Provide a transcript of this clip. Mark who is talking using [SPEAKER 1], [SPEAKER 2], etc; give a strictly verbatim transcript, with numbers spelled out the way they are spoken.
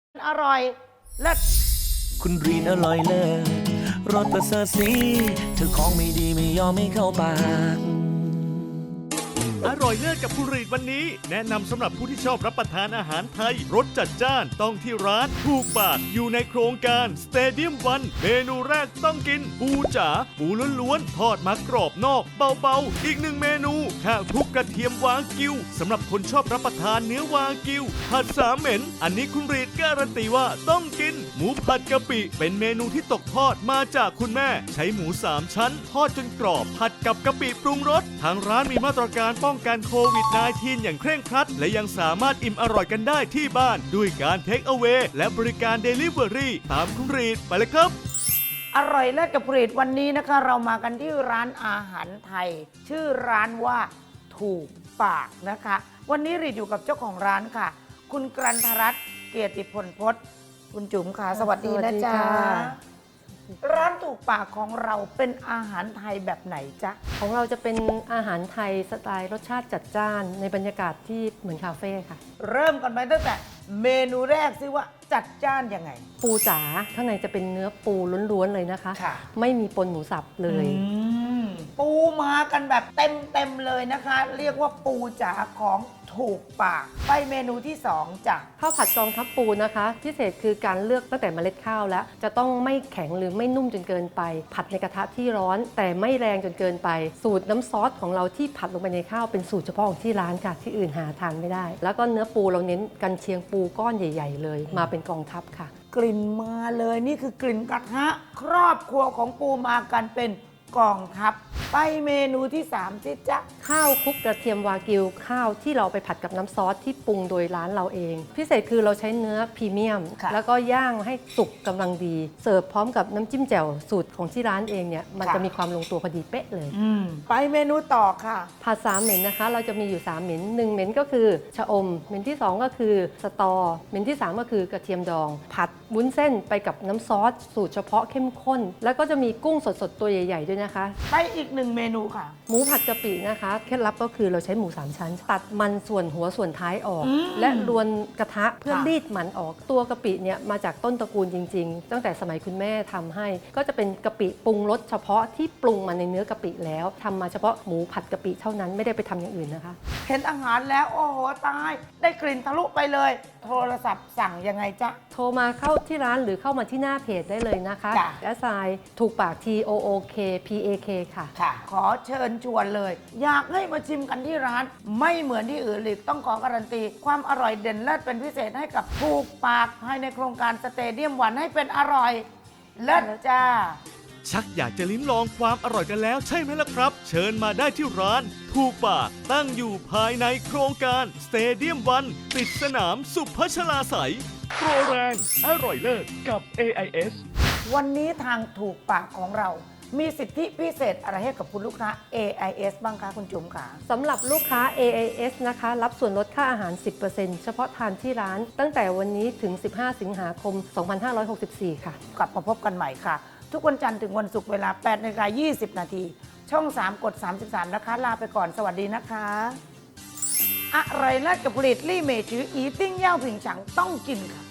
[SPEAKER 1] อร่อยเลิศ
[SPEAKER 2] คุณรีนอร่อยเลิศรสประเสริฐสีเธอของไม่ดีไม่ยอมไม่เข้าปาก
[SPEAKER 3] อร่อยเลิศกับคุณรีดวันนี้แนะนำสำหรับผู้ที่ชอบรับประทานอาหารไทยรสจัดจ้านต้องที่ร้านถูกปากอยู่ในโครงการสเตเดียมวันเมนูแรกต้องกินปูจ๋าปูล้วนๆทอดมากรอบนอกเบาๆอีกหนึ่งเมนูข้าวคลุกกระเทียมวากิวสำหรับคนชอบรับประทานเนื้อวากิวผัดสามเหม็นอันนี้คุณรีดการันตีว่าต้องกินหมูผัดกะปิเป็นเมนูที่ตกทอดมาจากคุณแม่ใช้หมูสามชั้นทอดจนกรอบผัดกับกะปิปรุงรสทางร้านมีมาตรการป้องกันโควิด สิบเก้า อย่างเคร่งครัดและยังสามารถอิ่มอร่อยกันได้ที่บ้านด้วยการเทคเอาเวย์และบริการเดลิเวอรี่ตามคุณรีดไปเลยครับ
[SPEAKER 1] อร่อยเลิศกับผลิตวันนี้นะคะเรามากันที่ร้านอาหารไทย ชื่อร้านว่าถูกปากนะคะ วันนี้รีดอยู่กับเจ้าของร้านค่ะ คุณกรันทรัตน์เกียรติพลพจน์คุณจุ๋มค่ะสวัสดีนะจ๊ะร้านถูกปากของเราเป็นอาหารไทยแบบไหนจ๊ะ
[SPEAKER 4] ของเราจะเป็นอาหารไทยสไตล์รสชาติจัดจ้านในบรรยากาศที่เหมือนคาเฟ่ค่ะ
[SPEAKER 1] เริ่มกันไปตั้งแต่เมนูแรกซิว่าจัดจ้านยังไง
[SPEAKER 4] ปูจ๋าข้างในจะเป็นเนื้อปูล้วนๆเลยนะคะ
[SPEAKER 1] ค่ะ
[SPEAKER 4] ไม่มีปนหมูสับเลย
[SPEAKER 1] ปูมากันแบบเต็มเต็มเลยนะคะ เรียกว่าปูจ๋าของถูกปากไปเมนูที่สองจ้ะ
[SPEAKER 4] ข้าวผัดกองทัพปูนะคะพิเศษคือการเลือกตั้งแต่เมล็ดข้าวแล้วจะต้องไม่แข็งหรือไม่นุ่มจนเกินไปผัดในกระทะที่ร้อนแต่ไม่แรงจนเกินไปสูตรน้ำซอสของเราที่ผัดลงไปในข้าวเป็นสูตรเฉพาะของที่ร้านค่ะที่อื่นหาทานไม่ได้แล้วก็เนื้อปูเราเน้นกันเชียงปูก้อนใหญ่ๆเลยมาเป็นกองทัพค่ะ
[SPEAKER 1] กลิ่นมาเลยนี่คือกลิ่นกระทะครอบครัวของปูมากันเป็นกองทัพไปเมนูที่สามสิจ๊ะ
[SPEAKER 4] ข้าวคลุกกระเทียมวากิวข้าวที่เราไปผัดกับน้ำซอสที่ปรุงโดยร้านเราเองพิเศษคือเราใช้เนื้อพรีเมียมแล้วก็ย่างให้สุกกำลังดีเสิร์ฟพร้อมกับน้ำจิ้มแจ่วสูตรของที่ร้านเองเนี่ยมันจะมีความลงตัวพอดีเป๊ะเลย
[SPEAKER 1] ไปเมนูต่อค่ะ
[SPEAKER 4] ผัดสามเหม็นนะคะเราจะมีอยู่สามเหม็นหนึ่งเหม็นก็คือชะอมเหม็นที่สองก็คือสตอเหม็นที่สามก็คือกระเทียมดองผัดวุ้นเส้นไปกับน้ำซอสสูตรเฉพาะเข้มข้นแล้วก็จะมีกุ้งสดๆตัวใหญ่ๆด้วยนะคะ
[SPEAKER 1] ไปอีกหนึ่งเมนูค่ะ
[SPEAKER 4] หมูผัดกะปินะคะเคล็ดลับก็คือเราใช้หมูสามชั้นตัดมันส่วนหัวส่วนท้ายออกและรวนกระทะเพื่อรีดมันออกตัวกะปิเนี่ยมาจากต้นตระกูลจริงๆตั้งแต่สมัยคุณแม่ทำให้ก็จะเป็นกะปิปรุงรสเฉพาะที่ปรุงมาในเนื้อกะปิแล้วทำมาเฉพาะหมูผัดกะปิเท่านั้นไม่ได้ไปทำอย่างอื่นนะคะ
[SPEAKER 1] เห็นอาหารแล้วโอ้โหตายได้กลิ่นทะลุไปเลยโทรศัพท์สั่งยังไงจ๊ะ
[SPEAKER 4] โทรมาเข้าที่ร้านหรือเข้ามาที่หน้าเพจได้เลยนะคะแอสไซน์ถูกปาก T O O K P A K ค่ะ
[SPEAKER 1] ค่ะขอเชิญชวนเลยอยากให้มาชิมกันที่ร้านไม่เหมือนที่อื่นเลยต้องขอการันตีความอร่อยเด่นเลิศเป็นพิเศษให้กับถูกปากภายในโครงการสเตเดียมวันให้เป็นอร่อยเลิศจ้า
[SPEAKER 3] ชักอยากจะลิ้มลองความอร่อยกันแล้วใช่ไหมล่ะครับเชิญมาได้ที่ร้านถูกปากตั้งอยู่ภายในโครงการสเตเดียมวันติดสนามสุพัชลาไสยโปรแรงอร่อยเลิศกับ เอ ไอ เอส
[SPEAKER 1] วันนี้ทางถูกปากของเรามีสิทธิพิเศษอะไรให้กับคุณลูกค้า เอ ไอ เอส บ้างคะคุณจุ๋มค่ะ
[SPEAKER 4] สำหรับลูกค้า เอ ไอ เอส นะคะรับส่วนลดค่าอาหาร สิบเปอร์เซ็นต์ เฉพาะทานที่ร้านตั้งแต่วันนี้ถึง สิบห้า สิงหาคม สองพันห้าร้อยหกสิบสี่ ค่ะ
[SPEAKER 1] กลับมาพบกันใหม่ค่ะทุกวันจันทร์ถึงวันศุกร์เวลา แปดนาฬิกายี่สิบ นาทีช่อง สาม กด สามสิบสาม นะคะลาไปก่อนสวัสดีนะคะอร่อยเลิศกับผลิตลี่เมจืออีติ้งเย่าผิงฉังต้องกินค่ะ